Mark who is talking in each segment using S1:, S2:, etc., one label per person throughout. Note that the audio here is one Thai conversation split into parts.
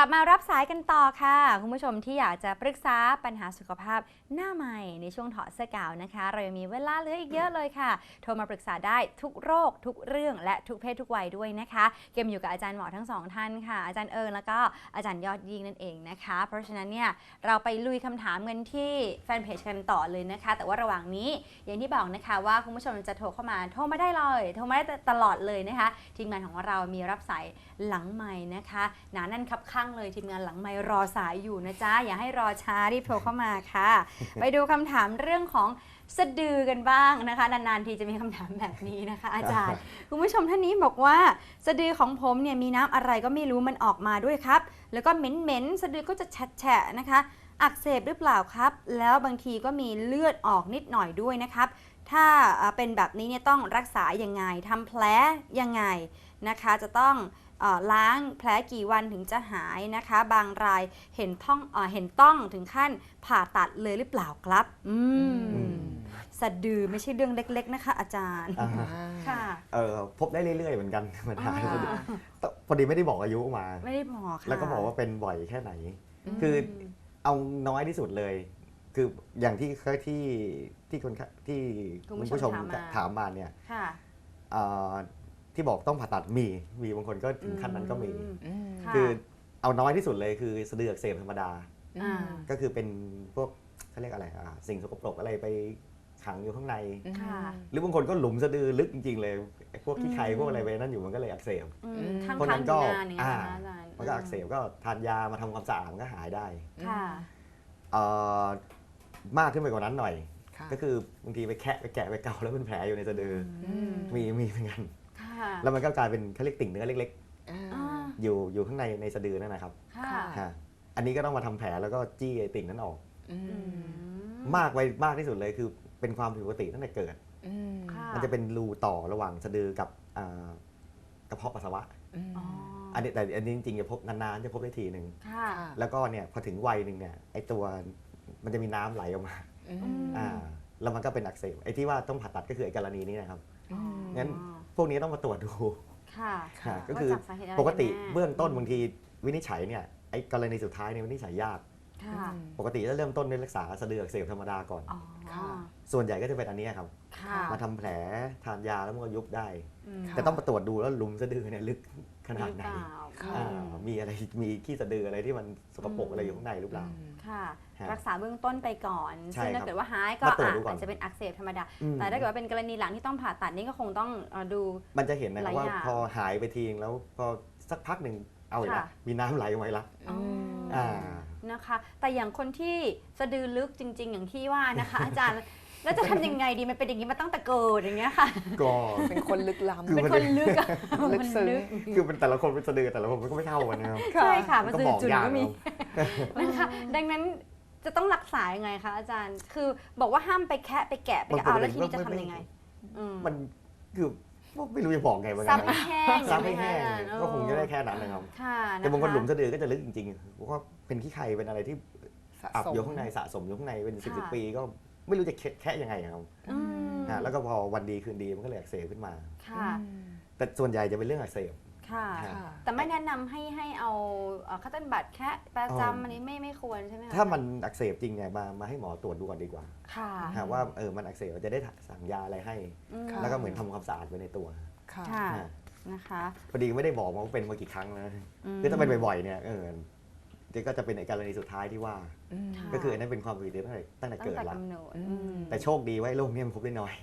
S1: ลับมารับสายกันต่อค่ะคุณผู้ชมที่อยากจะปรึกษาปัญหาสุขภาพหน้าใหม่ในช่วงถอดเสื้อกาวนะคะเรายังมีเวลาเหลืออีกเยอะเลยค่ะโทรมาปรึกษาได้ทุกโรคทุกเรื่องและทุกเพศทุกวัยด้วยนะคะเกมอยู่กับอาจารย์หมอทั้งสองท่านค่ะอาจารย์เอิญแล้วก็อาจารย์ยอดยิ่งนั่นเองนะคะเพราะฉะนั้นเนี่ยเราไปลุยคำถามกันที่แฟนเพจกันต่อเลยนะคะแต่ว่าระหว่างนี้อย่างที่บอกนะคะว่าคุณผู้ชมจะโทรเข้ามาโทรมาได้เลยโทรมาได้ตลอดเลยนะคะทีมงานของเรามีรับสายหลังไมค์นะคะหนาแน่นคับข้างเลยทีมงานหลังไมค์รอสายอยู่นะจ๊ะอย่าให้รอช้ารีบโทรเข้ามาค่ะ ไปดูคำถามเรื่องของสะดือกันบ้างนะคะนานๆทีจะมีคำถามแบบนี้นะคะอาจารย์คุณผู้ชมท่านนี้บอกว่าสะดือของผมเนี่ยมีน้ำอะไรก็ไม่รู้มันออกมาด้วยครับแล้วก็เหม็นๆสะดือก็จะแฉะๆนะคะอักเสบหรือเปล่าครับแล้วบางทีก็มีเลือดออกนิดหน่อยด้วยนะครับถ้าเป็นแบบนี้เนี่ยต้องรักษายังไงทำแผลยังไงนะคะจะต้องล้างแผลกี่วันถึงจะหายนะคะบางรายเห็นต้องถึงขั้นผ่าตัดเลยหรือเปล่าครับสะดือไม่ใช่เรื่องเล็กๆนะคะอาจารย์ค่ะ
S2: พบได้เรื่อยๆเหมือนกันปัญหาพอดีไม่ได้บอกอายุมา
S1: ไม่ได้บอกค่ะ
S2: แล้วก็บอกว่าเป็นบ่อยแค่ไหนคือเอาน้อยที่สุดเลยคืออย่างที่คุณผู้ชมถามมาเนี่ยที่บอกต้องผ่าตัดมีบางคนก็ถึงขั้นนั้นก็มีคือเอาน้อยที่สุดเลยคือสะดืออักเสบธรรมดาก็คือเป็นพวกเขาเรียกอะไรสิ่งสกปรกอะไรไปขังอยู่ข้างในหรือบางคนก็หลุมสะดือลึกจริงๆเลยพวกที่ไขพวกอะไรไปนั่นอยู่มันก็เลยอักเสบ
S1: เพราะนั้นก็
S2: มันก็อักเสบก็ทานยามาทำความสะอาดมันก็หายได้มากขึ้นไปกว่านั้นหน่อยก็คือบางทีไปแคะไปแกะไปเกาแล้วเป็นแผลอยู่ในสะดือมีเหมือนกันแล้วมันก็กลายเป็นเขาเรียกติ่งเนื้อเล็กๆอยู่ข้างในสะดือนั่นนะครับอันนี้ก็ต้องมาทำแผลแล้วก็จี้ไอ้ติ่งนั้นออกมากที่สุดเลยคือเป็นความผิดปกติตั้งแต่เกิดมันจะเป็นรูต่อระหว่างสะดือกับกระเพาะปัสสาวะอันนี้จริงๆจะพบนานๆจะพบได้ทีหนึ่งแล้วก็เนี่ยพอถึงวัยหนึ่งเนี่ยไอ้ตัวมันจะมีน้ำไหลออกมาแล้วมันก็เป็นอักเสบไอ้ที่ว่าต้องผ่าตัดก็คือไอ้กรณีนี้นะครับงั้นพวกนี้ต้องมาตรวจดูก็คือปกติเบื้องต้นบางทีวินิจฉัยเนี่ยไอ้กรณีสุดท้ายเนี่ยวินิจฉัยยากปกติจะเริ่มต้นด้วยรักษาสะดืออักเสบธรรมดาก่อนส่วนใหญ่ก็จะเป็นอันนี้ครับมาทำแผลทานยาแล้วมันก็ยุบได้แต่ต้องมาตรวจดูแล้วหลุมสะดือเนี่ยลึกขนาดไหนมีอะไรมีขี้สะดืออะไรที่มันสกปรกอะไรอยู่ข้างในหรือเปล่า
S1: รักษาเบื้องต้นไปก่อนซึ่งถ้าเกิดว่าหายก็อาจจะเป็นอักเสบธรรมดาแต่ถ้าเกิดว่าเป็นกรณีหลังที่ต้องผ่าตัดนี่ก็คงต้องดู
S2: มันจะเห็นนะครับว่าพอหายไปทีแล้วพอสักพักหนึ่งเอาอีกแล้วมีน้ำไหลออกมาแล้ว
S1: นะคะแต่อย่างคนที่สะดือลึกจริงๆอย่างที่ว่านะคะอาจารย์แล้วจะทำยังไงดีมันเป็นอย่างนี้มาตั้งแต่เกิดอย่างเงี้ยค่ะ
S2: ก็
S3: เป็นคนลึกล้ำ
S1: เป็นคนลึก
S3: ลึกซึ้ง
S2: คือเป็นแต่ละคนเป็นสะดือแต่ละคนมันก็ไม่เท่ากันนะครับ
S1: ใช่ค่ะมันสื่อจุดก็มีนะคะดังนั้นจะต้องรักษายังไงคะอาจารย์คือบอกว่าห้ามไปแคะไปแกะไปเอาแล้วทีนี้จะทำยังไง
S2: มันคือไม่รู้จะบอกไงเหมือน
S1: กัน
S2: ซับให้แห้งก็คงจะได้แค่นั้นนะครับแต่บางคนหลุมสะดือก็จะลึกจริงๆเพราะว่าเป็นขี้ไข่เป็นอะไรที่อับอยู่ข้างในสะสมอยู่ข้างในเป็น10 ปีก็ไม่รู้จะแค่ยังไงครับแล้วก็พอวันดีคืนดีมันก็เลยอักเสบขึ้นมาแต่ส่วนใหญ่จะเป็นเรื่องอักเสบ
S1: แต่ไม่แนะนำให้เอาคัตเติ้ลบัตแค่ประจำอันนี้ไม่ควรใช่ไหมคะ
S2: ถ้ามันอักเสบจริงเนี่ยมาให้หมอตรวจดูก่อนดีกว่าว่ามันอักเสบจะได้สั่งยาอะไรให้แล้วก็เหมือนทำความสะอาดไว้ในตัว
S1: นะคะ
S2: พอดีไม่ได้บอกว่าเป็นมากี่ครั้งนะคือถ้าเป็นบ่อยๆเนี่ยก็จะเป็นในกรณีสุดท้ายที่ว่าก็คืออันนั้นเป็นความผิดตั้งแต่เกิดแล้วแต่โชคดีว่าโรคนี้มันพบได้น้อย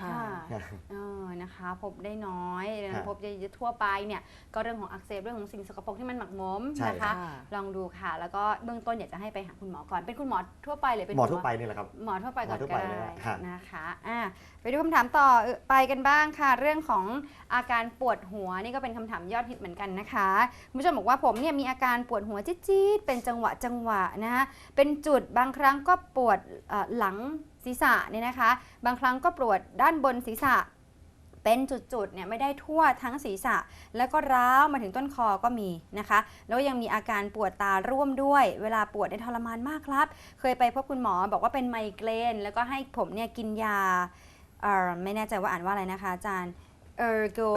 S1: นะคะพบได้น้อยพบเยอะทั่วไปเนี่ยก็เรื่องของอักเสบเรื่องของสิ่งสกปรกที่มันหมักหมมนะคะลองดูค่ะแล้วก็เบื้องต้นอยากจะให้ไปหาคุณหมอก่อนเป็นคุณหมอทั่วไปเลยเป็น
S2: หมอทั่วไปนี่แหละครับ
S1: หมอทั่วไปก่อนก็ได้นะคะไปดูคำถามต่อไปกันบ้างค่ะเรื่องของอาการปวดหัวนี่ก็เป็นคำถามยอดฮิตเหมือนกันนะคะคุณผู้ชมบอกว่าผมเนี่ยมีอาการปวดหัวจี๊ดๆเป็นจังหวะนะคะเป็นจุดบางครั้งก็ปวดหลังศีรษะเนี่ยนะคะบางครั้งก็ปวดด้านบนศีรษะเป็นจุดๆเนี่ยไม่ได้ทั่วทั้งศีรษะแล้วก็ร้าวมาถึงต้นคอก็มีนะคะแล้วยังมีอาการปวดตาร่วมด้วยเวลาปวดได้ทรมานมากครับเคยไปพบคุณหมอบอกว่าเป็นไมเกรนแล้วก็ให้ผมเนี่ยกินยาไม่แน่ใจว่าอ่านว่าอะไรนะคะอาจารย์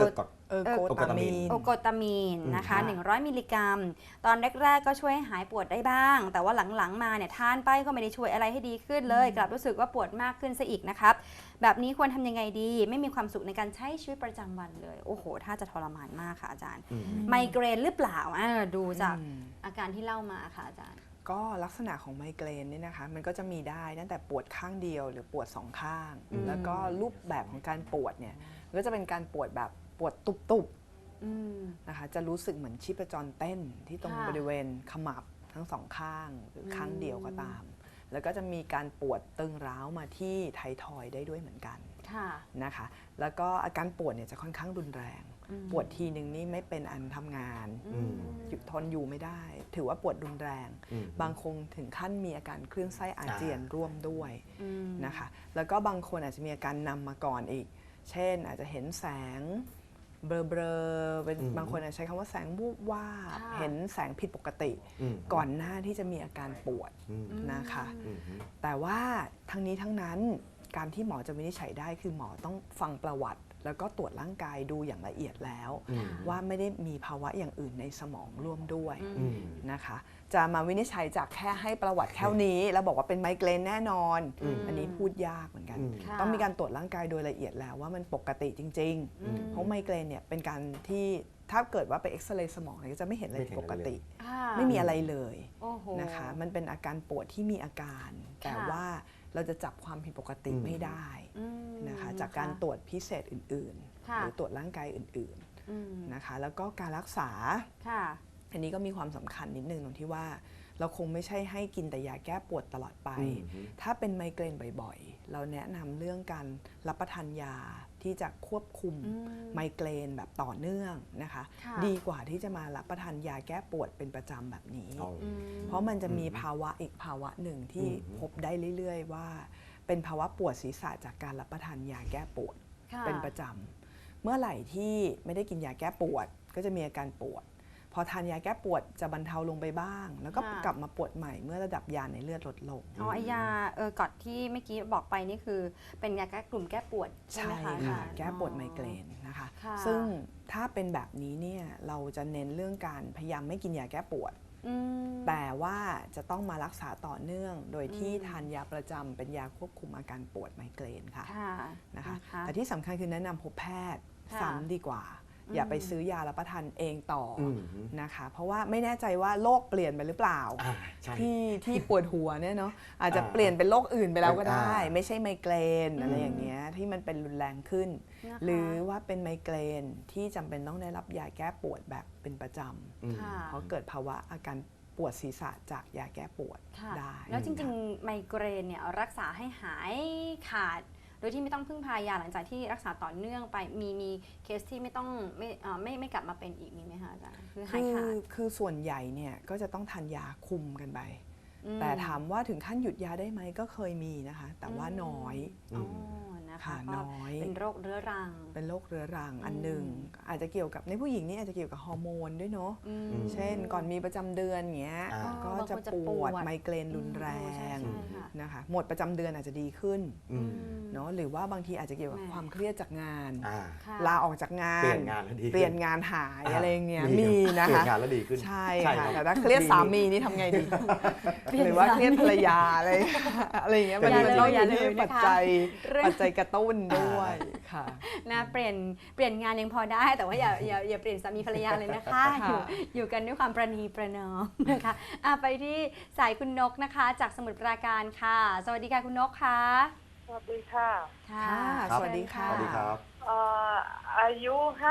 S3: โกตามีน
S1: โอโกตามีนนะคะ
S3: ค่ะ
S1: 100 มิลลิกรัม ตอนแรกๆก็ช่วยให้หายปวดได้บ้าง แต่ว่าหลังๆมาเนี่ยทานไปก็ไม่ได้ช่วยอะไรให้ดีขึ้นเลย กลับรู้สึกว่าปวดมากขึ้นซะอีกนะครับ แบบนี้ควรทำยังไงดี ไม่มีความสุขในการใช้ชีวิตประจำวันเลย โอ้โห ถ้าจะทรมานมากค่ะอาจารย์ ไมเกรนหรือเปล่าดูจากอาการที่เล่ามาค่ะอาจารย์
S3: ก็ลักษณะของไมเกรนเนี่ยนะคะมันก็จะมีได้ตั้งแต่ปวดข้างเดียวหรือปวดสองข้าง แล้วก็รูปแบบของการปวดเนี่ยก็จะเป็นการปวดแบบปวดตุบๆนะคะจะรู้สึกเหมือนชีพจรเต้นที่ตรง
S1: ค่ะ
S3: บริเวณขมับทั้งสองข้างหรือข้างเดียวก็ตาม แล้วก็จะมีการปวดตึงร้าวมาที่ไททอยด์ได้ด้วยเหมือนกัน
S1: ค่ะ
S3: นะคะแล้วก็อาการปวดเนี่ยจะค่อนข้างรุนแรง ปวดทีนึงนี่ไม่เป็นอันทำงานหยุดทนอยู่ไม่ได้ ถือว่าปวดรุนแรง บางคนถึงขั้นมีอาการคลื่นไส้อาเจียนร่วมด้วยนะคะแล้วก็บางคนอาจจะมีอาการนำมาก่อนอีก เช่นอาจจะเห็นแสงเบลอๆเป็นบางคนอาจจะใช้คำว่าแสงวูบวาบ
S1: ค่ะ
S3: เห็นแสงผิดปกติก่อนหน้าที่จะมีอาการปวดนะคะแต่ว่าทั้งนี้ทั้งนั้นการที่หมอจะวินิจฉัยได้คือหมอต้องฟังประวัติ แล้วก็ตรวจร่างกายดูอย่างละเอียดแล้ว ว่าไม่ได้มีภาวะอย่างอื่นในสมองร่วมด้วยนะคะจะมาวินิจฉัยจากแค่ให้ประวัติแค่นี้แล้วบอกว่าเป็นไมเกรนแน่นอน อันนี้พูดยากเหมือนกัน
S1: ค่ะ
S3: ต้องมีการตรวจร่างกายโดยละเอียดแล้วว่ามันปกติจริงๆ เพราะไมเกรนเนี่ยเป็นการที่ถ้าเกิดว่าไปเอ็กซเรย์สมองเนี่ยก็จะไม่เห็นอะไรผิดปกติ ไม่มีอะไรเลย
S1: โอ้โห
S3: นะคะมันเป็นอาการปวดที่มีอาการ แต่ว่าเราจะจับความผิดปกติไม่ได้นะคะจากการตรวจพิเศษอื่นๆ
S1: ค่ะ
S3: หรือตรวจร่างกายอื่นๆนะคะแล้วก็การรักษา
S1: ค่ะ
S3: อันนี้ก็มีความสำคัญนิดนึงตรงที่ว่าเราคงไม่ใช่ให้กินแต่ยาแก้ปวดตลอดไป ถ้าเป็นไมเกรนบ่อยๆ เราแนะนำเรื่องการรับประทานยาที่จะควบคุมไมเกรนแบบต่อเนื่องนะคะ
S1: ค่ะ
S3: ดีกว่าที่จะมารับประทานยาแก้ปวดเป็นประจำแบบนี้ เพราะมันจะมีภาวะอีกภาวะหนึ่งที่พบได้เรื่อยๆว่าเป็นภาวะปวดศีรษะจากการรับประทานยาแก้ปวด
S1: ค่ะ
S3: เป็นประจำเมื่อไหร่ที่ไม่ได้กินยาแก้ปวดก็จะมีอาการปวด พอทานยาแก้ปวดจะบรรเทาลงไปบ้าง แล้วก็
S1: ค่ะ
S3: กลับมาปวดใหม่เมื่อระดับยาในเลือดลดลง
S1: อ๋อไอยาก่อนที่เมื่อกี้บอกไปนี่คือเป็นยาแก้กลุ่มแก้ปวดใช่ไหม
S3: ใช่
S1: คะ
S3: ค่ะ
S1: อาจารย์
S3: แก้ปวดไมเกรนนะคะ
S1: ค่ะ
S3: ซึ่งถ้าเป็นแบบนี้เนี่ยเราจะเน้นเรื่องการพยายามไม่กินยาแก้ปวด แต่ว่าจะต้องมารักษาต่อเนื่อง โดยที่ทานยาประจำเป็นยาควบคุมอาการปวดไมเกรนค่ะ
S1: ค่ะ
S3: นะคะแต่ที่สำคัญคือแนะนำพบแพทย์
S1: ค่ะ
S3: ซ้ำดีกว่า อย่าไปซื้อยารับประทานเองต่ออนะคะเพราะว่าไม่แน่ใจว่าโรคเปลี่ยนไปหรือเปล่า
S2: ใช่
S3: ที่ปวดหัวเนี่ยเนาะอาจจะเปลี่ยนเป็นโรคอื่นไปแล้วก็ได้
S2: อ่า
S3: ไม่ใช่ไมเกรนอะไรอย่างเงี้ยที่มันเป็นรุนแรงขึ้น
S1: นะคะ
S3: หรือว่าเป็นไมเกรนที่จำเป็นต้องได้รับยาแก้ปวดแบบเป็นประจ
S1: ค่ะ
S3: ำเพราะเกิดภาวะอาการปวดศีรษะจากยาแก้ปวด
S1: ค่ะ
S3: ได้
S1: แล้วจริงๆ ไมเกรนเนี่ยรักษาให้หายขาด โดยที่ไม่ต้องพึ่งพายาหลังจากที่รักษาต่อเนื่องไปมีเคสที่ไม่ต้องไม่กลับมาเป็นอีกมีไหมคะอาจารย์คือหายขาด
S3: คือส่วนใหญ่เนี่ยก็จะต้องทานยาคุมกันไป แต่ถามว่าถึงขั้นหยุดยาได้ไหมก็เคยมีนะคะ แต่ว่าน้อย
S1: อ๋อนะคะ
S3: ค่ะ
S1: ก็
S3: น้อย
S1: เป็นโรคเรื้อรัง
S3: เป็นโรคเรื้อรังอันหนึ่งอาจจะเกี่ยวกับในผู้หญิงนี่อาจจะเกี่ยวกับฮอร์โมนด้วยเนาะเช่นก่อนมีประจำเดือนอย่างเงี้ย
S2: อ่า
S3: ก็
S1: บางคน
S3: จะ
S1: จะ
S3: ป
S1: ป
S3: ว
S1: ว
S3: ด
S1: ด
S3: ไมเกรนรุนแร
S1: ใช่
S3: ง
S1: ค่ะ
S3: นะคะหมดประจำเดือนอาจจะดีขึ้นเนาะหรือว่าบางทีอาจจะเกี่ยวกับ
S1: แหม่
S3: ความเครียดจากงาน
S1: ค่ะ
S3: ลาออกจากงาน
S2: เปลี่ยนงานแล้วดีขึ้น
S3: เปลี่ยนงานหายอะไรอย่างเงี้ยมีนะ
S2: เปลี่ย
S3: คะ
S2: นงานแล้วดีขึ้น
S3: ใช่
S2: ค
S3: ค่ะ
S2: รับ
S3: แต่ถ้าเครียดสามีนี่ทำไงดี หรือว่าเครียดภรรยาอะไรอย่างเงี้ยมัน
S1: อย่าเลย
S3: ต้องอ
S1: อย่า
S3: ยู่
S1: เลย
S3: ที่
S1: นะคะ
S3: ปัจจัย
S1: เรื่อง
S3: ปัจจัยกระตุ้นด้วยค่ะ
S1: นะเปลี่ยนงานยังพอได้แต่ว่าอย่าเปลี่ยนสามีภรรยาเลยนะคะ
S3: ค่ะ
S1: อยู่กันด้วยความประนีประนอมนะคะไปที่สายคุณนกนะคะ จากสมุทรปราการค่ะ สวัสดีค่ะคุณนกค่ะ
S4: สวัสดีค่ะ
S1: ค่ะ
S3: สวัสดีค่ะ
S2: สวัสดีครับ
S4: อายุ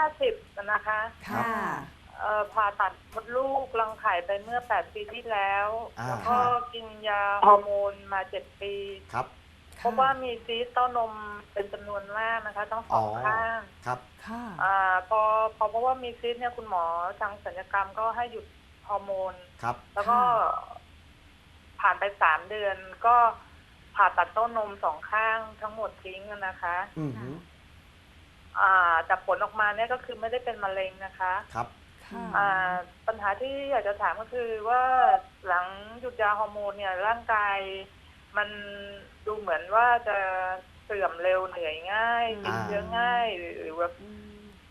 S4: 50 นะคะ
S3: ค่ะ
S4: ผ่าตัดมดลูกรังไข่ไปเมื่อ 8 ปีที่แล้ว แล้วก็
S1: ค่ะ
S4: กินยาฮอร์โมนมา 7 ปี
S2: ครับ
S4: เพราะว่ามีซีสต์เต้านมเป็นจำนวนมากนะคะต้องสองข้าง
S2: ครับ
S3: ค่ะ
S4: พอเพราะว่ามีซีสต์เนี่ยคุณหมอทางศัลยกรรมก็ให้หยุดฮอร์โมน
S2: ครับ
S4: แล้วก็ผ่านไป 3 เดือน ก็ผ่าตัดเต้านม2 ข้างทั้งหมดทิ้งนะคะ
S2: อือหือ
S4: แต่ผลออกมาเนี่ยก็คือไม่ได้เป็นมะเร็งนะคะ
S2: ครับ
S3: ค่ะ
S4: ปัญหาที่อยากจะถามก็คือว่าหลังหยุดยาฮอร์โมนเนี่ยร่างกายมันดูเหมือนว่าจะเสื่อมเร็วเหนื่อยง่ายติดเชื้อง่ายหรือว่า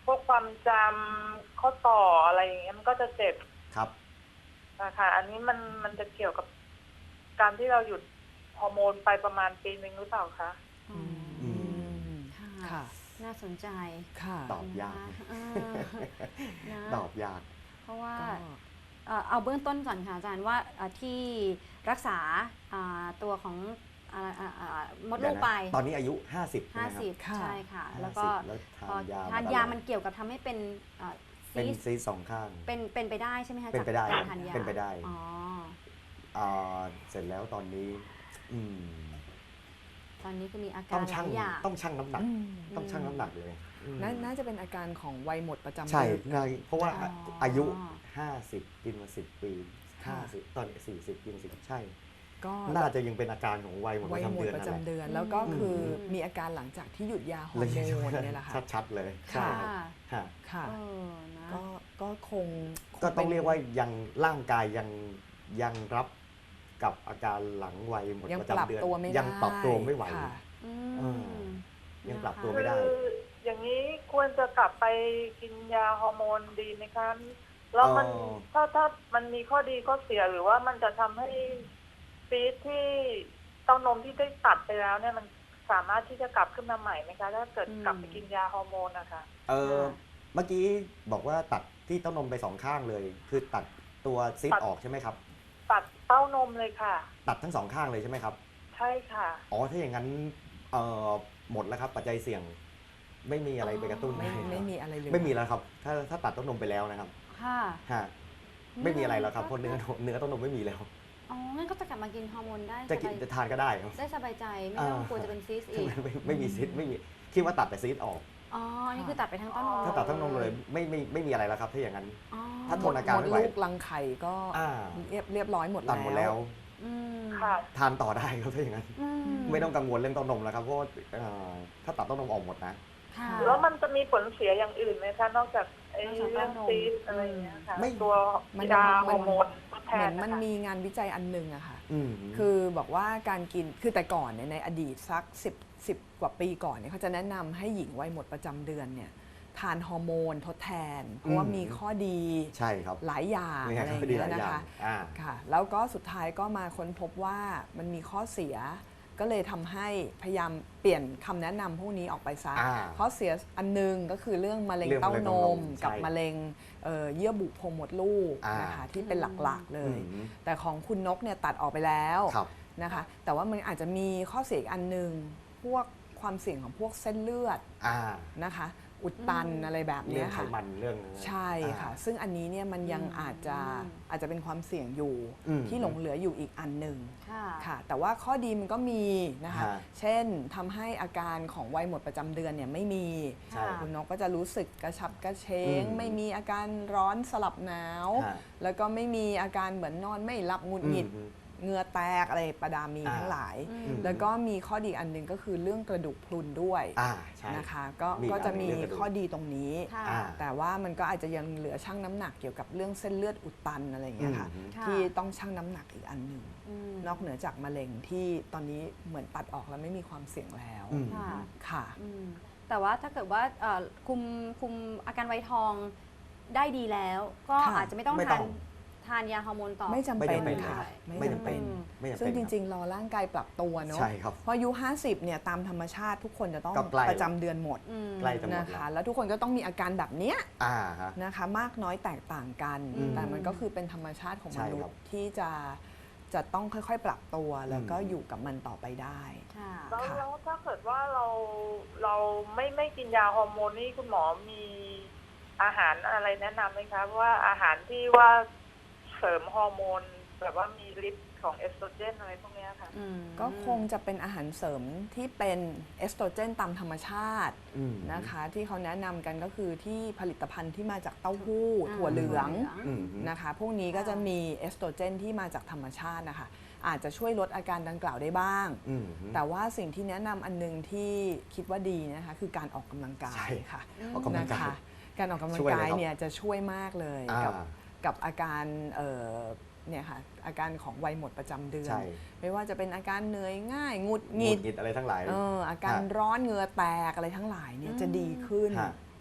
S4: พวกความจำข้อต่ออะไรอย่างเงี้ยมันก็จะเจ็บ
S2: ครับ
S4: นะคะอันนี้มันจะเกี่ยวกับการที่เราหยุดฮอร์โมนไปประมาณปีนึงหรือเปล่าคะ
S1: อืม
S3: อืม
S1: ค่ะ
S3: ค่ะ
S1: น่าสนใจ
S3: ค่ะ
S2: ตอบยาก
S1: นะนะ
S2: ตอบยาก
S1: เพราะว่า
S3: ก็
S1: เอาเบื้องต้นก่อนค่ะอาจารย์ว่าที่รักษาตัวของมดลูกไป
S2: ตอนนี้อายุ 50ใช่ไหมครับ
S1: 50
S3: ค่ะ
S1: ใช่ค่ะ แล้ว
S2: 50
S1: ก็
S2: แล้ว
S1: พอ
S2: ทานยา
S1: ทานยามันเกี่ยวกับทำให้เป็นซี
S2: เป็น
S1: สต์
S2: ซีสต์สองข้าง
S1: เป็นไปได้ใช่ไหมคะ
S2: เป็นไปได้
S1: จากการทานยา
S2: เป็นไปได้
S1: อ๋อ
S2: เสร็จแล้วตอนนี้อืม
S1: ตอนนี้คือมีอา
S2: ต้
S1: กา
S2: อ
S1: รง ห
S2: ชั่
S1: ลาง ยอย่าง
S2: ต้องชั่งน้ำหนัก
S3: อืม
S2: ต้องชั่งน้ำหนักเลยอืม
S3: น่าจะเป็นอาการของวัยหมดประจำ
S2: ใช่
S3: เดือน
S2: ใช่เพราะว่า
S1: อ๋ออ
S2: อายุ 50 กินมา 10 ปี
S3: ค่ะ
S2: 50 ตอนนี้40 กิน10ใช่
S3: ก็
S2: น่าจะยังเป็นอาการของวัยหมดป
S3: วัย
S2: ระจำ
S3: หมด
S2: เดือน
S3: ประ
S2: นั่นแห
S3: จำ
S2: ละ
S3: เดือน แล้วก็คือ
S1: อืม
S3: มีอาการหลังจากที่หยุดยาฮอ
S2: เล
S3: ร์
S2: ย
S3: โมนเนี่ยแหละค่ะ
S2: ชัดๆเลยใช่
S1: ค่ะ
S2: ครับ
S3: ค่ะ
S1: เออนะ
S3: ก็คง
S2: ก็ต้อง
S3: ป็น
S2: เรียกว่ายังร่างกายยังรับกับอาการหลังวัยหมด
S3: ยัง
S2: ประ
S3: ปรับ
S2: จำเดือน
S3: ตัวไม่ได้
S2: ยังปรับตัวไม่ไหว
S3: ค่ะ
S1: อื
S2: เอ
S1: ม
S2: ยังปรับตัว
S1: นะคะ
S2: ไม่ได้
S4: คืออย่างนี้ควรจะกลับไปกินยาฮอร์โมนดีไหมคะแล้วมัน ถ้ามันมีข้อดีข้อเสียหรือว่ามันจะทำให้ซีสต์ที่เต้านมที่ได้ตัดไปแล้วเนี่ยมันสามารถที่จะกลับขึ้นมาใหม่ไหมคะถ้าเกิดกลับไปกินยาฮอร์โมนนะคะ
S2: เมื่อกี้บอกว่าตัดที่เต้านมไปสองข้างเลย คือตัดตัวซีส
S4: ตัด
S2: ต์ออกใช่ไหมครับ
S4: ตัดเต้านมเลยค่ะ
S2: ตัดทั้งสองข้างเลยใช่ไหมครับ
S4: ใช่ค่ะ
S2: อ๋อถ้าอย่างนั้นหมดแล้วครับปัจจัยเสี่ยง ไม่มีอะไรไปกระตุ้น
S3: ไม่มีอะไรเลย
S2: ไม่มีแล้วครับ ถ้าตัดเต้านมไปแล้วนะครับ
S1: ค่ะ
S2: ฮะไม่มีอะไรแล้วครับเพราะเนื้อเต้านมไม่มีแล้ว
S1: อ๋อ งั้นก็จะกลับมากินฮอร์โมนได้
S2: จะกินจะทานก็ได้ครับ
S1: ได้สบายใจ ไม่ต้องกลัวจะเป็นซีสต์อีก
S2: ไม่มีซีสต์ไม่มีคิดว่าตัดแต่ซีสต์ออก
S1: อ๋อ นี่คือตัดไปทั้งต้นนม
S2: ถ้าตัดทั้งนมเลยไม่มีอะไรแล้วครับถ้าอย่างนั้น
S1: อ๋อ
S2: ถ้าทนอาการ
S3: หมด
S2: ไม่ไหว
S3: ลูกรังไข่ก็
S2: อ่า
S3: เรียบร้อยหมด
S2: ตัดหมดแล้ว
S1: อืม
S4: ค่ะ
S2: ทานต่อได้ครับถ้าอย่างนั้น
S1: อื
S2: ไม่ต้องกังวลเรื่องเต้านมแล้วครับเพราะว่าถ้าตัดเต้านมออกหมดนะ
S1: ค่ะ
S4: แล้วมันจะมีผลเสียอย่างอื่นไหมคะนอกจากไอ้
S1: นอกจาก
S4: เรื่อง
S1: เต้านม
S4: ซีสต์อะไรอย่างเงี้ยค่ะ
S2: ไม่
S4: ตัว
S3: มัน
S4: ยาฮอร์โมนทดแท
S3: เหมือน น
S4: นะ
S3: มัน
S4: คะ
S3: มีงานวิจัยอันหนึงอะค่ะ
S2: ม
S3: คือบอกว่าการกินคือแต่ก่อนเนี่ยในอดีตสัก10 กว่าปีก่อนเนี่ยเขาจะแนะนำให้หญิงวัยหมดประจำเดือนเนี่ยทานฮอร์โมนทดแทน เพราะว่ามีข้อดี
S2: ใช่ครับ
S3: หลายอย่าง
S2: นี่
S3: อะไร
S2: ค
S3: อ
S2: รับ
S3: ย่าง
S2: ดีห
S3: เงี้
S2: ลาย
S3: ย
S2: อย่า
S3: นะ
S2: ง
S3: คะ
S2: อ่า
S3: ค่ะแล้วก็สุดท้ายก็มาค้นพบว่ามันมีข้อเสีย ก็เลยทำให้พยายามเปลี่ยนคำแนะนำพวกนี้ออกไปซะ
S2: อ่า
S3: ข้อเสียอันหนึงก็คือเรื่องมะเร็ง
S2: เรื่อง
S3: เต้า
S2: มะเร็ง
S3: น
S2: เต้าน
S3: ม
S2: ม
S3: กับ
S2: ใช่
S3: มะเร็งเยื่อบุโพรงมดลูก
S2: อ่าน
S3: นะคะที่เป็นหลักๆเลย
S2: อืม
S3: แต่ของคุณนกเนี่ยตัดออกไปแล้ว
S2: ครับ
S3: นะคะแต่ว่ามันอาจจะมีข้อเสียอีกอันหนึ่งพวกความเสี่ยงของพวกเส้นเลือด
S2: อ่า
S3: นะคะอุดตันอะไรแบบ
S2: เรื่
S3: เนี้
S2: อง
S3: ย
S2: ไข
S3: ค่ะ
S2: มันเรื่อง
S3: ใช่ค่ะ ซึ่งอันนี้เนี่ยมันยังอาจจะเป็นความเสี่ยงอยู่
S2: อืม
S3: ที่หลงเหลืออยู่อีกอันหนึ่ง
S1: ค่ะ
S3: ค่ะ แต่ว่าข้อดีมันก็มีนะคะ
S2: ฮะ
S3: เช่นทำให้อาการของวัยหมดประจำเดือนเนี่ยไม่มี
S2: ใช่
S3: คุณนกก็จะรู้สึกกระฉับกระเฉง
S2: อืม
S3: ไม่มีอาการร้อนสลับหนาว
S2: ฮะ
S3: แล้วก็ไม่มีอาการเหมือนนอนไม่หลับหงุดหงิด
S2: อืม
S3: เหงื่อแตกอะไรประดามี
S2: อ่า
S3: ทั้งหลาย
S1: อืม
S3: แล้วก็มีข้อดีอันหนึ่งก็คือเรื่องกระดูกพรุนด้วย
S2: ใช่
S3: นะคะก็
S2: มี
S3: ก็จะมี
S2: เรื่องกระดูก
S3: ข้อดีตรงนี้
S1: ค่ะ
S2: อ่า
S3: แต่ว่ามันก็อาจจะยังเหลือชั่งน้ำหนักเกี่ยวกับเรื่องเส้นเลือดอุดตันอะไรอย่างเงี้ยค่ะ
S2: อืม
S1: ค่ะ
S3: ที่ต้องชั่งน้ำหนักอีกอันหนึ่ง
S1: อืม
S3: นอกเหนือจากมะเร็งที่ตอนนี้เหมือนตัดออกแล้วไม่มีความเสี่ยงแล้ว
S2: อืม
S1: ค่ะ
S3: ค่ะ
S1: อืมแต่ว่าถ้าเกิดว่าคุมอาการไวท์ทองได้ดีแล้ว ก็
S3: ค่ะ
S1: อาจจะไม่ต้อง
S2: ไม่ต้
S1: ทานยาฮอร์โมนต่อ
S3: ไม่จำ
S2: ไม่
S3: เป็น
S2: จำเป็น
S3: ค่ะ
S2: ไม่จำเป็น ไม่จำเป็น
S3: ซึ่งจ
S2: ค
S3: ริง ๆ รอร่างกายปรับตัวเนาะ
S2: ใช่ครับ
S3: เพราะอายุ 50 เนี่ยตามธรรมชาติทุกคนจะต้อง
S2: ก็ใกล้
S3: ประจำเดือนหมด
S1: อืม
S2: ใกล้จะหมด
S3: นะ
S2: แล้
S3: คะ
S2: ว
S3: แล้วทุกคนก็ต้องมีอาการแบบเนี้ย
S2: ฮะ
S3: นะคะมากน้อยแตกต่างกัน
S1: อืม
S3: แต่มันก็คือเป็นธรรมชาติของม
S2: ใช่
S3: นุ
S2: ค
S3: ษ
S2: รับ
S3: ย์ที่จะต้องค่อยๆ ปรับตัวแล้วก็อยู่กับมันต่อไปได้
S1: ค่ะ
S4: แล้ว
S3: ค่ะ
S4: แล้วถ้าเกิดว่าเราไม่กินยาฮอร์โมนนี่คุณหมอมีอาหารอะไรแนะนำไหมคะว่าอาหารที่ว่าเสริมฮอร์โมนแบบว่ามีฤทธิ์ของเอสโตรเจนอะไรพวกเนี้ยค่ะ
S1: อืม
S3: ก็คงจะเป็นอาหารเสริมที่เป็นเอสโตรเจนตามธรรมชาติ
S2: อืม
S3: นะคะที่เขาแนะนำกันก็คือที่ผลิตภัณฑ์ที่มาจากเต้าหู้
S1: อ่า
S3: ถั่วเหลือง
S2: อืม
S3: นะคะพวกนี้ก็จะมีเอสโตรเจนที่มาจากธรรมชาตินะคะอาจจะช่วยลดอาการดังกล่าวได้บ้าง
S2: อืม
S3: แต่ว่าสิ่งที่แนะนำอันนึงที่คิดว่าดีนะคะคือการออกกำลังกา
S2: ใช่
S3: ยค่ะ
S2: ออกกำลัง
S3: นะ
S2: กาย
S3: คะการออกกำลัง
S2: ช่วยเลย
S3: กาย
S2: ครับ
S3: เนี่ยจะช่วยมากเลย
S2: อ่า
S3: กับอาการเนี่ยค่ะอาการของวัยหมดประจำเดือน
S2: ใช่
S3: ไม่ว่าจะเป็นอาการเหนื่อยง่ายหงุดห
S2: หงุ
S3: งิ
S2: ด
S3: ด
S2: หงิดอะไรทั้งหลาย
S3: อาการร้อนเหงื่อแตกอะไรทั้งหลายเนี่ยจะดีขึ้น
S2: ฮะ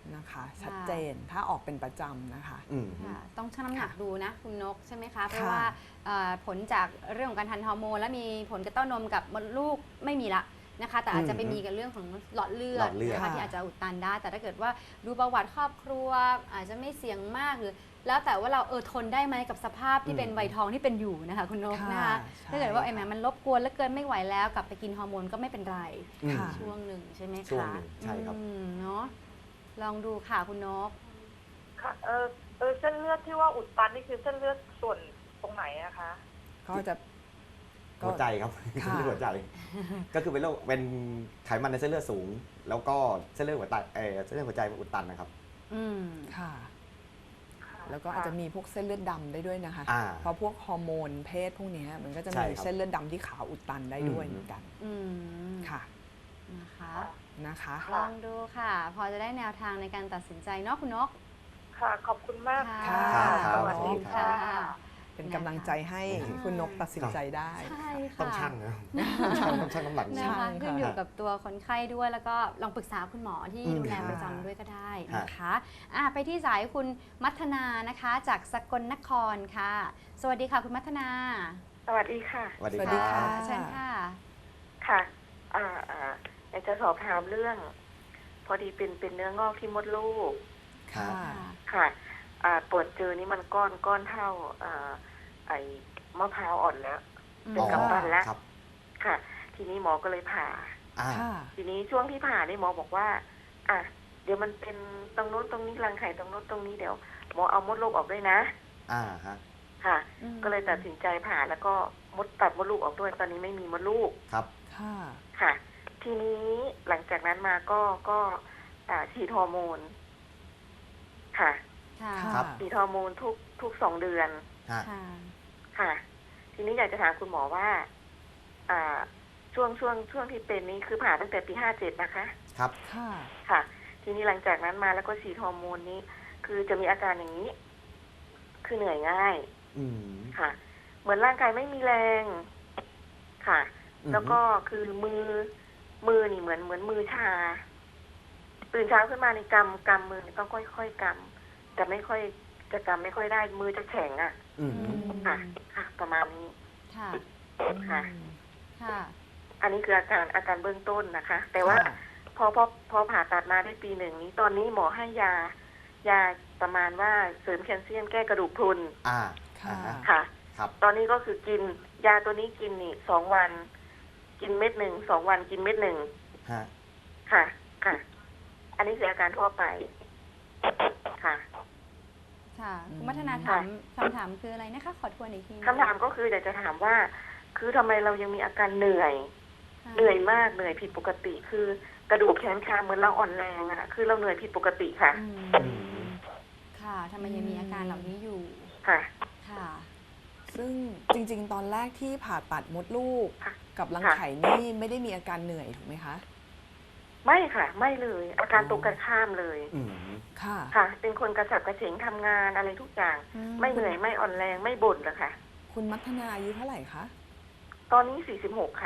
S3: นะคะชัดเจนถ้าออกเป็นประจำนะคะ
S1: ค่ะต้องชั่งน้ำหนักดูนะคุณนกใช่ไหมคะเพ
S3: ค่ะ
S1: ราะว่าผลจากเรื่องของการทานฮอร์โมนและมีผลกับเต้านมกับมดลูกไม่มีละนะคะแต่อาจจะไปมีกับเรื่องของหลอดเลือดนะคะที่อาจจะอุดตันได้ แต่ถ้าเกิดว่าดูประวัติครอบครัวอาจจะไม่เสี่ยงมากหรือแล้วแต่ว่าเราทนได้ไหมกับสภาพที่เป็นวัยทองที่เป็นอยู่นะคะคุณนกนะคะถ้าเกิดว่าไอ้แหมมันรบกวนแล้วเกินไม่ไหวแล้วกลับไปกินฮอร์โมนก็ไม่เป็นไร
S3: ค่ะ
S1: ช่วงหนึ่งใช่ไหมคะ
S2: ช่วงหนึ่งใช่ครับ
S1: เนาะลองดูค่ะคุณนก
S4: ค่ะเส้นเลือดที่ว่าอุดตันนี่คือเส้นเลือดส่วนตรงไหนอะคะ
S3: ก็จะ
S2: หัวใจครับ
S3: ค่ะ
S2: ที่หัวใจ ก็คือเป็นโรคเป็นไขมันในเส้นเลือดสูง แล้วก็เส้นเลือดหัวใจเส้นเลือดหัวใจมันอุดตันนะครับ
S3: ค่ะ แล้วก็อาจจะมีพวกเส้นเลือดดำได้ด้วยนะคะ
S2: อ่า
S3: เพราะพวกฮอร์โมนเพศพวกเนี้ยมันก็จะ
S2: ใช่
S3: มี
S2: ครับ
S3: เส้นเลือดดำที่ขาวอุดตันได้ด้วยเหมือนกัน ค่ะ
S1: นะคะ
S3: นะคะ
S1: ลองดูค่ะ พอจะได้แนวทางในการตัดสินใจเนาะคุณนก
S4: ค่ะ ขอบคุณมาก
S1: ค่ะ
S4: สวัสดีค่ะ
S3: เป็นกำลังใจให้คุณนกตัดสินใจได้
S1: ใช่ค่ะ
S2: ต้องชั่งนะต้องชั่งน้ำหนัก
S1: นะ
S3: ใช่
S1: คะ
S3: ค่ะ
S1: ขึ้นอยู่กับตัวคนไข้ด้วยแล้วก็ลองปรึกษาคุณหมอที่
S2: อืม
S1: ดูแล
S3: ค่ะ
S1: ประจำด้วยก็ได้นะคะไปที่สายคุณมัทนานะคะ จากสกลนครค่ะ สวัสดีค่ะคุณมัทนา
S4: สวัสดีค่ะ
S2: สวัสดี
S3: สวัส
S2: ค
S3: ดี
S2: รั
S3: ค่ะ
S2: บ
S1: เชิญค่ะ
S4: ค่ะอยากจะสอบถามเรื่อง พอดีเป็นเนื้องอกที่มดลูก
S3: ค่ะ
S4: ค่ะตรวจเจอนี่มันก้อนเท่าไอ้มะพร้าวอ่อนแล้ว เป็นกำปั้นแล้ว
S2: ครับ
S4: ค่ะ ทีนี้หมอก็เลยผ่า
S2: อ่า
S3: ค่ะ
S4: ทีนี้ช่วงที่ผ่านี่หมอบอกว่า เดี๋ยวมันเป็นตรงโน้นตรงนี้รังไข่ตรงโน้นตรงนี้เดี๋ยวหมอเอามดลูกออกด้วยนะ
S2: ฮะ
S4: ค่ะ
S1: อืม
S4: ก็เลยตัดสินใจผ่าแล้วก็ตัดมดลูกออกด้วย ตอนนี้ไม่มีมดลูก
S2: ครับ
S3: ค่ะ
S4: ค่ะ ทีนี้หลังจากนั้นมาก็ฉีดฮอร์โมน ค่ะ
S1: ค่ะ
S2: ครับ
S4: ฉีดฮอร์โมนทุก2 เดือน
S2: ฮะ
S1: ค่ะ
S4: ค่ะ ทีนี้อยากจะถามคุณหมอว่า ช่วงที่เป็นนี้คือผ่าตั้งแต่ปี57นะคะ
S2: ครับ
S3: ค่ะ
S4: ค่ะ ทีนี้หลังจากนั้นมาแล้วก็ฉีดฮอร์โมนนี้ คือจะมีอาการอย่างนี้ คือเหนื่อยง่าย
S2: อืม
S4: ค่ะ เหมือนร่างกายไม่มีแรง ค่ะ แล้วก็คือมือนี่เหมือนมือชา ตื่นเช้าขึ้นมาในกำมือนี่ต้องค่อยๆกำแต่ไม่ค่อยจะกำไม่ค่อยได้ มือจะแข็งอ่ะ
S2: อืม
S4: ค่ะ ค่ะ ประมาณนี้
S1: ค่ะ
S4: ค่ะ
S1: ค่ะ
S4: อันนี้คืออาการเบื้องต้นนะคะ แต่ว่า
S3: ค่ะ
S4: พอผ่าตัดมาได้ปี 1นี้ ตอนนี้หมอให้ยาประมาณว่าเสริมแคลเซียมแก้กระดูกพรุน
S3: ค่ะ
S4: ค่ะ
S2: ครับ
S4: ตอนนี้ก็คือกินยาตัวนี้กินนี่2 วัน กินเม็ด 1 2 วันกินเม็ด 1
S2: ฮะ
S4: ค่ะ ค่ะ อันนี้คืออาการทั่วไป ค่ะ
S1: ค่ะคุณมัทนาถามคำถามคืออะไรนะคะ ขอทวนอีกที
S4: คำถามก็คืออยากจะถามว่า คือทำไมเรายังมีอาการเหนื่อย
S1: ค่ะ
S4: เหนื่อยมากเหนื่อยผิดปกติ คือกระดูกแขนขาเหมือนเราอ่อนแรงอะคือเราเหนื่อยผิดปกติค่ะ
S1: ค่ะทำไมยังมีอาการเหล่านี้อยู่
S4: ค่ะ
S1: ค่ะ
S3: ซึ่งจริงๆ ตอนแรกที่ผ่าตัดมดลูก
S4: ค่ะ
S3: กับรังไข่นี่ไม่ได้มีอาการเหนื่อยถูกไหมคะ
S4: ไม่ค่ะ ไม่เลย อาการตรงกันข้ามเลย
S2: อืม
S3: ค่ะ
S4: ค่ะ เป็นคนกระฉับกระเฉงทำงานอะไรทุกอย่าง ไม่เหนื่อยไม่อ่อนแรงไม่บ่นเลยค่ะ
S3: คุณมัทนาอายุเท่าไหร่คะ
S4: ตอนนี้46 ค่ะ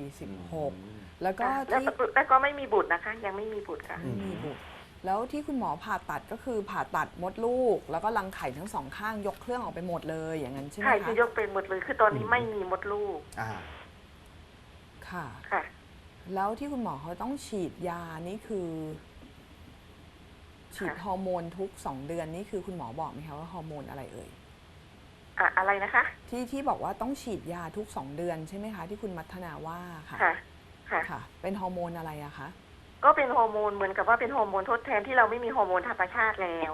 S3: 46 แล้วก็
S4: แล้ว
S3: ที่
S4: แล้วก็ไม่มีบุตรนะคะ ยังไม่มีบุตรค่ะ
S3: ไม่มีบุตรแล้วที่คุณหมอผ่าตัดก็คือผ่าตัดมดลูก แล้วก็รังไข่ทั้งสองข้างยกเครื่องออกไปหมดเลยอย่างนั้นใช่ไหม
S4: ใช่
S3: คะ
S4: คือยกเป็นหมดเลย คือตอนนี้ไม่มีมดลูก
S3: ค่ะ
S4: ค่ะ
S3: แล้วที่คุณหมอเขาต้องฉีดยานี่คือ ฉีดฮอร์โมนทุก2 เดือนนี่คือคุณหมอบอกไหมคะว่าฮอร์โมนอะไรเอ่ย
S4: อะไรนะคะ
S3: ที่บอกว่าต้องฉีดยาทุก2 เดือนใช่ไหมคะที่คุณมัทนาว่าค่ะ
S4: ค่ะ ค่ะ
S3: ค่ะ เป็นฮอร์โมนอะไรอะคะ
S4: ก็เป็นฮอร์โมนเหมือนกับว่าเป็นฮอร์โมนทดแทนที่เราไม่มีฮอร์โมนธรรมชาติแล้ว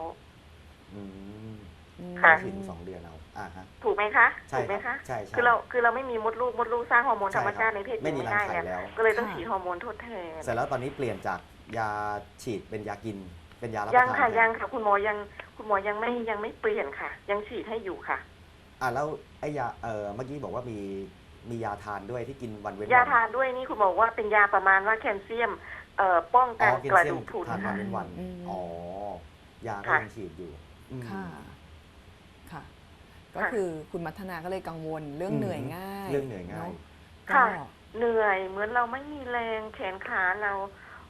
S4: ค่ะ
S2: ฉีด2 เดือนเอาฮะ
S4: ถูกไหมคะ
S2: ใช่
S4: ถูกไหม
S2: ครั
S4: คะ
S2: บใช่
S4: คือเราไม่มีมดลูกสร้างฮอร์โมนธรรมชาติในเพศหญิง
S2: ไม่มี
S4: ไม่ได้
S2: รังไข่
S4: เนี่ย
S2: แล้ว
S4: ก็เลยต้องฉีดฮอร์โมนทดแทน
S2: เสร็จแล้วตอนนี้เปลี่ยนจากยาฉีดเป็นยากิน เป็นยารับประ
S4: ยัง
S2: ทาน
S4: ค่ะ
S2: แทน
S4: ยังค่ะ คุณหมอยังไม่เปลี่ยนค่ะ ยังฉีดให้อยู่ค่ะ
S2: แล้วไอ้ยาเมื่อกี้บอกว่ามียาทานด้วยที่กินวันเว้น
S4: ยา
S2: วัน
S4: ทานด้วยนี่คุณหมอว่าเป็นยาประมาณว่าแคลเซียมป้อง
S2: อ๋
S4: กั
S2: อน กิน
S4: กระ
S2: เซีย
S4: ดู
S2: ม
S4: กพรุน
S2: ทานวันเว้นวัน
S3: อืม
S2: อ๋อยาก็
S4: ค่ะ
S2: ยังฉีดอยู่อืม
S3: ค่ะ ค่ะ ก็คือคุณมัทนาก็เลยกังวลเรื่องเหนื่อยง่าย
S2: เรื่องเหนื่อยง่าย
S3: เนอะ
S4: ค่ะ
S3: ก็
S4: เหนื่อยเหมือนเราไม่มีแรงแขนขาเรา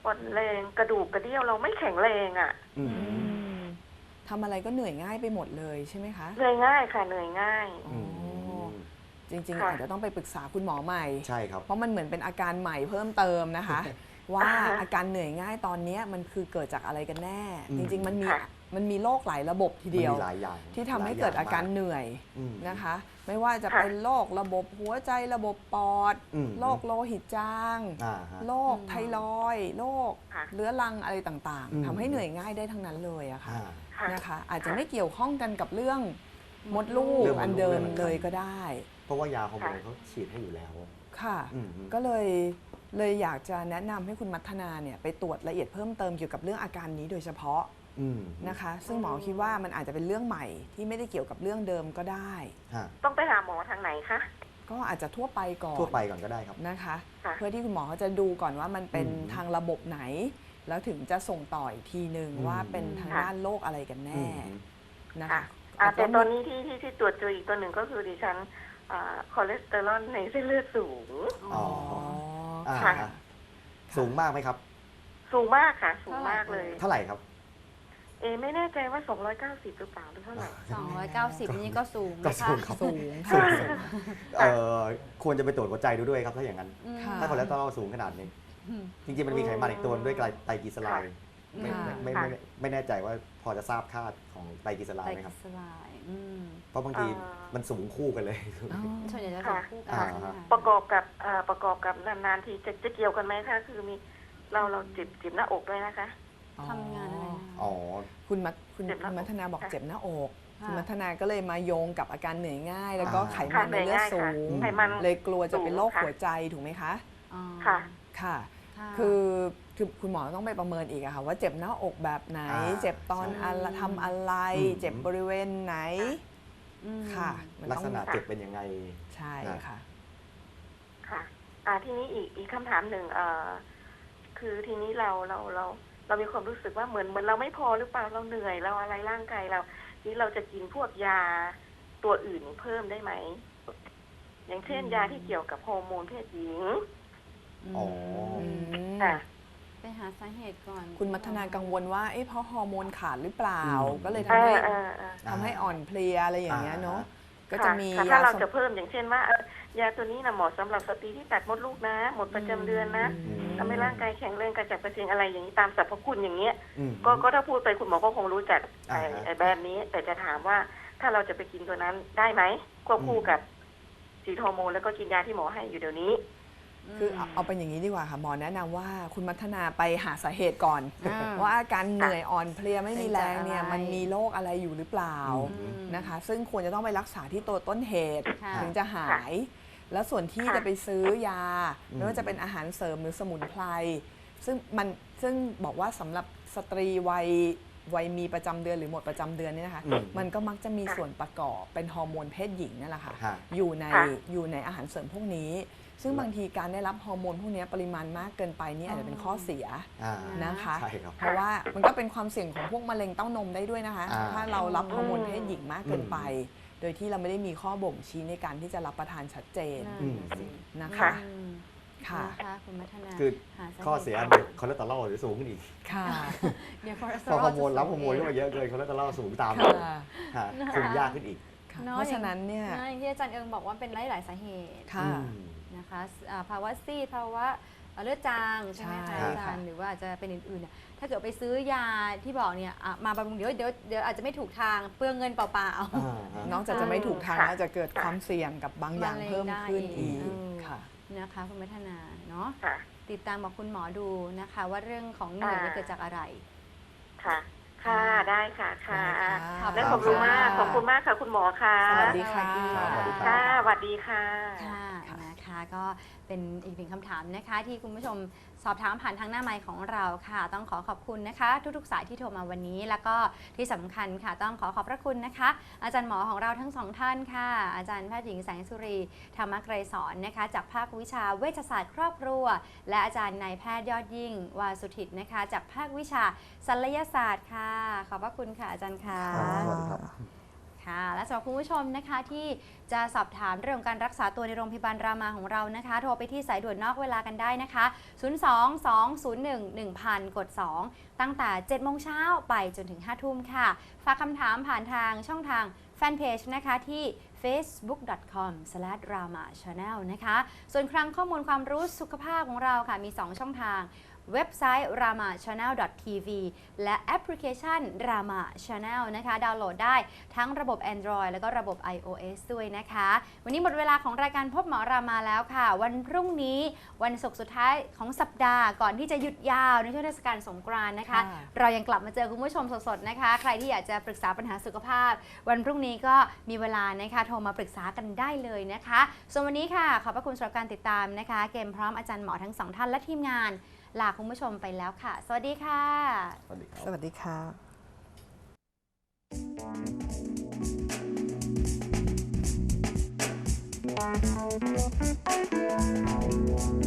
S5: อ่อนแรงกระดูกกระเดี่ยวเราไม่แข็งแรงอ่ะ
S2: อืม
S3: ทำอะไรก็เหนื่อยง่ายไปหมดเลยใช่ไหมคะ
S5: เหนื่อยง่ายค่ะเหนื่อยง่าย
S3: อ๋อจริงๆ
S5: ค่ะ
S3: อาจจะต้องไปปรึกษาคุณหมอใหม่
S2: ใช่ครับ
S3: เพราะมันเหมือนเป็นอาการใหม่เพิ่มเติมนะคะ ว่าอาการเหนื่อยง่ายตอนเนี้ยมันคือเกิดจากอะไรกันแน่
S2: อืม
S3: จริงๆ
S5: ค่ะ
S3: มันมีโรคหลายระบบทีเดียว
S2: มันมีหลายอย่าง
S3: ที่ทำให้เกิดอาการ
S2: หลย
S3: เหนื่อย
S2: อืม
S3: นะคะ ไม่ว่าจะเป็นโรคระบบหัวใจระบบปอด
S2: อืม
S3: โรคโลหิตจาง
S2: ฮะ
S3: โรคไทรอยด์โรค
S5: ค่ะ
S3: เรื้อรังอะไรต่าง
S2: อืม
S3: ๆทำให้เหนื่อยง่ายได้ทั้งนั้นเลยอะค่ะ
S2: อ่า
S5: ค่ะ
S3: นะคะอาจจะไม่เกี่ยวข้องกันกับเรื่องมดลูก
S2: เรื่องมดลูก
S3: อันเดิม
S2: เรื่อง
S3: เลยก็ได้
S2: เพราะว่ายาฮอร์โมนเขาฉีดให้อยู่แล้ว
S3: ค่ะ
S2: อืม
S3: ก็เลยอยากจะแนะนำให้คุณมัทนาเนี่ยไปตรวจละเอียดเพิ่มเติมเกี่ยวกับเรื่องอาการนี้โดยเฉพาะ
S2: อืม
S3: นะคะ ซึ่งหมอคิดว่ามันอาจจะเป็นเรื่องใหม่ที่ไม่ได้เกี่ยวกับเรื่องเดิมก็ได้
S2: ฮะ
S5: ต้องไปหาหมอทางไหนคะ
S3: ก็อาจจะทั่วไปก่อน
S2: ทั่วไปก่อนก็ได้ครับ
S3: นะคะ
S5: ค่ะ
S3: เพื่อที่คุณหมอเขาจะดูก่อนว่ามันเป็น
S2: อืม
S3: ทางระบบไหน แล้วถึงจะส่งต่ออีกทีหนึ่ง
S2: อืม
S3: ว่าเป็นทาง
S5: ค่ะ
S3: ด้านโรคอะไรกันแน่ นะ
S5: ค่ะ
S3: คะ
S5: แต่ตอนนี้ที่ตรวจเจออีกตัวหนึ่งก็คือดิฉันคอเลสเตอรอลในเส้นเลือดสูง
S2: อ๋อ อ่า
S5: ค่ะ
S2: ฮะสูงมากไหมครับ
S5: สูงมากค่ะ สูงมากเลย
S2: เท่าไหร่ครับ
S5: ไม่แน่ใจว่า 290 หรือเปล่าหรือเท่าไหร่
S1: 290 นี่ก็สูง
S2: ก็
S1: นะ
S2: สู
S1: คะ
S2: งครับ
S3: สูง
S2: สู
S3: ค่ะ
S2: งควรจะไปตรวจหัวใจดูด้วยครับถ้าอย่างนั้น
S1: อืม
S3: ค่ะ
S2: ถ้าคอเลสเตอรอลสูงขนาดนี้
S1: อืม
S2: จริงๆ มันมีไขมันอีกตัวด้วยไตรกลีเซอไรด์
S1: ค่ะ
S2: ไม่แน่ใจว่าพอจะทราบค่าของไตรกลีเซอไร
S1: ไตร
S2: ด์ไหม
S1: ก
S2: ค
S1: ลี
S2: รับ
S1: เซอไรด์อืม
S2: เพราะบางที
S5: อ่ามั
S2: มันสูงคู่กันเลย
S3: อ๋อ
S1: ส่วนใหญ่จะสูงคู่กัน
S2: อ่า
S1: ใช่ไหมคะ
S5: ประกอบกับนานๆทีจะเกี่ยวกันไหมคะคือมีเราจิบหน้าอกด้วยนะคะ
S1: ทำงานอะไรนะคะ
S2: อ๋อ
S3: คุณ
S5: เจ็บหน้าอก
S3: มัทนาบอก
S5: ค่ะ
S3: เจ็บหน้าอก
S1: ค่ะ
S3: คุณมัทนาก็เลยมาโยงกับอาการเหนื่อยง่าย แล้วก็
S2: อ่า
S3: ไขมันในเลือดสูง
S5: ไขมัน
S3: เลยกลัวจะเป็นโรค
S5: สูงค่ะ
S3: หัวใจถูกไหมคะ
S1: อ๋อ
S5: ค่ะ
S3: ค่ะ
S1: ค่ะ
S3: คือคุณหมอต้องไปประเมินอีกอะค่ะว่าเจ็บหน้าอกแบบไหน
S2: อ่า
S3: เจ็บตอน
S2: ใช่
S3: อะไรทำอะไร
S2: อืม
S3: เจ็บบริเวณไหน
S1: อืม
S3: ค่ะมัน
S2: ลัก
S3: ต้อง
S2: ษณะเจ็บเป็นยังไง
S3: ใช่ค่ะ
S5: ค่ะทีนี้อีกคำถามหนึ่งคือทีนี้เรามีความรู้สึกว่าเหมือนเราไม่พอหรือเปล่าเราเหนื่อยเราอะไรร่างกายเรานี่เราจะกินพวกยาตัวอื่นเพิ่มได้ไหม อย่างเช่น ยาที่เกี่ยวกับฮอร์โมนเพศหญิง
S2: อ๋อ
S3: อืม
S5: ค่ะ
S1: ไปหาสาเหตุก่อน
S3: คุณมัทนากังวลว่าเพราะฮอร์โมนขาดหรือเปล่า
S2: อืม
S3: ก็เลย
S5: เอ
S3: ทำให้อ่อนเพลียอะไรอย่างเงี้ยเนาะก็จะมี
S5: ค่ะถ้าเราจะเพิ่มอย่างเช่นว่ายาตัวนี้นะเหมาะสำหรับสตรีที่ตัดมดลูกนะ หมดประจำเดือนนะ
S2: อืม
S5: ทำให้ร่างกายแข็งแรงกระจัดกระเจงอะไรอย่างนี้ตามสรรพคุณอย่างเงี้ย
S2: อืม
S5: ก็ถ้าพูดไปคุณหมอก็คงรู้จัก
S2: อ่าฮะ
S5: ไอ้แบบนี้ แต่จะถามว่าถ้าเราจะไปกินตัวนั้นได้ไหมควบคู่กับฉีดฮอร์โมนแล้วก็กินยาที่หมอให้อยู่เดี๋ยวนี้
S3: คือเอาเป็นอย่างนี้ดีกว่าค่ะหมอแนะนำว่าคุณมัทนาไปหาสาเหตุก่อน
S1: อ่า
S3: ว่าอาการเหนื่อยอ่อนเพลียไม่มีแรงเนี่ย
S1: เป็นจากอะไร
S3: มันมีโรคอะไรอยู่หรือเปล่า
S2: อืม
S3: นะคะ ซึ่งควรจะต้องไปรักษาที่ตัวต้นเหตุ
S1: ค่ะ
S3: ถึงจะหาย แล้วส่วนที่
S5: ค่ะ
S3: จะไปซื้อยา
S2: อืม
S3: ไม่ว่าจะเป็นอาหารเสริมหรือสมุนไพรซึ่งบอกว่าสำหรับสตรีวัยมีประจำเดือนหรือหมดประจำเดือนเนี่ยนะคะ
S2: อืม
S3: มันก็มักจะมีส่วนประกอบเป็นฮอร์โมนเพศหญิงนั่นแหละค่ะ
S2: ฮะ
S3: อยู่ในอาหารเสริมพวกนี้ ซึ่งบางทีการได้รับฮอร์โมนพวกนี้ปริมาณมากเกินไปนี่อาจจะเป็นข้อเสีย
S2: อ่า
S3: นะคะ
S2: ใช่ครับ
S3: เพราะว่ามันก็เป็นความเสี่ยงของพวกมะเร็งเต้านมได้ด้วยนะคะ
S2: อ่า
S3: ถ้าเรารับฮอร์โมนเพศหญิงมากเกินไป โดยที่เราไม่ได้มีข้อบ่งชี้ในการที่จะรับประทานชัดเจน
S1: นั่นน่ะสิ
S3: นะคะ
S5: ค่ะ
S1: อืม
S3: ค่ะ
S1: นะคะคุณมัทนา
S2: คือ
S1: หาาหตุ
S2: ข้อเสียคอเลสเตอรอลหรือสูงขึ้นอีก
S3: ค่ะ
S1: เดี๋ยวคอเลสเต
S2: พ
S1: อ
S2: อ
S1: รอ
S2: ฮ
S1: ล
S2: อร์โมนรับฮอร์โมนเข้ามาเยอะเกินคอเลสเตอรอลสูงตาม
S3: ค่ะ
S2: ฮะคุมยากขึ้นอีก
S3: ค่ะ
S1: เนอะ
S3: เพราะฉะนั้นเนี่ย
S1: อย่างที่อาจารย์เอิงบอกว่าเป็นหลายๆสาเหตุ
S3: ค่ะ
S1: นะคะภาวะซีดภาวะเลือดจางใช่ไหม
S3: ใช่
S1: คะอาจารย์หรือว่าอาจจะเป็นอื่นๆเนี่ยถ้าเกิดไปซื้อยาที่บอกเนี่ยมาบำรุงเดี๋ยวอาจจะไม่ถูกทางเปลืองเงินเปล่า
S3: นอกจากจะไม่ถูกทาง
S5: ค่ะ
S3: แล้วจะเกิดความเสี่ยงกับบางอย่าง
S1: มะเร็ง
S3: เพิ่มขึ้น
S1: ได้
S3: อีก
S1: อีก
S3: ค่ะ
S1: ๆนะคะคุณมัทนาเนาะ
S5: ค่ะ
S1: ติดตามบอกคุณหมอดูนะคะ ว่าเรื่องของเหนื่อยเนี่ยเกิดจากอะไร
S5: ค่ะ ค่ะได้ค่ะค่ะ
S3: ได้ค่ะ
S5: และขอบคุณมากขอบคุณมากค่ะคุณหมอค่ะ
S3: สวัสดีค่ะ
S2: สวัสดี
S5: ค่ะสวัสดีค่ะ
S1: ค่ะนะคะก็เป็นอีกหนึ่งคำถามนะคะที่คุณผู้ชมสอบถามผ่านทางหน้าไมค์ของเราค่ะ ต้องขอบคุณนะคะ ทุกๆสายที่โทรมาวันนี้ แล้วก็ที่สำคัญค่ะต้องขอบพระคุณนะคะ อาจารย์หมอของเราทั้งสองท่านค่ะ อาจารย์แพทย์หญิงแสงสุรีธรรมไกรสอนนะคะ จากภาควิชาเวชศาสตร์ครอบครัว และอาจารย์นายแพทย์ยอดยิ่งวาสุทิตนะคะ จากภาควิชาศัลยศาสตร์ค่ะ ขอบพระคุณค่ะอาจารย์ค่ะ
S2: สวัสดีครับ
S1: ค่ะ และสำหรับคุณผู้ชมนะคะที่จะสอบถามเรื่องของการรักษาตัวในโรงพยาบาลรามาของเรานะคะ โทรไปที่สายด่วนนอกเวลากันได้นะคะ 02-201-1000 กด 2 ตั้งแต่ 7 โมงเช้าไปจนถึง 5 ทุ่มค่ะ ฝากคำถามผ่านทางช่องทางแฟนเพจนะคะที่ facebook.com/ramachannel นะคะ ส่วนครั้งข้อมูลความรู้สุขภาพของเราค่ะมี 2 ช่องทาง เว็บไซต์ ramachannel.tv และแอปพลิเคชัน Rama Channel นะคะ ดาวน์โหลดได้ทั้งระบบ Android แล้วก็ระบบ iOS ด้วยนะคะ วันนี้หมดเวลาของรายการพบหมอรามาแล้วค่ะ วันพรุ่งนี้วันศุกร์สุดท้ายของสัปดาห์ก่อนที่จะหยุดยาวในช่วงเทศกาลสงกรานต์นะคะ เรายังกลับมาเจอคุณผู้ชมสดๆนะคะ ใครที่อยากจะปรึกษาปัญหาสุขภาพ วันพรุ่งนี้ก็มีเวลานะคะโทรมาปรึกษากันได้เลยนะคะส่วนวันนี้ค่ะขอบพระคุณสำหรับการติดตามนะคะ เกมพร้อมอาจารย์หมอทั้ง 2 ท่านและทีมงานลาคุณผู้ชมไปแล้วค่ะ สวัสดีค่ะ
S2: สวัสดีครับ
S3: สวัสดีค่ะ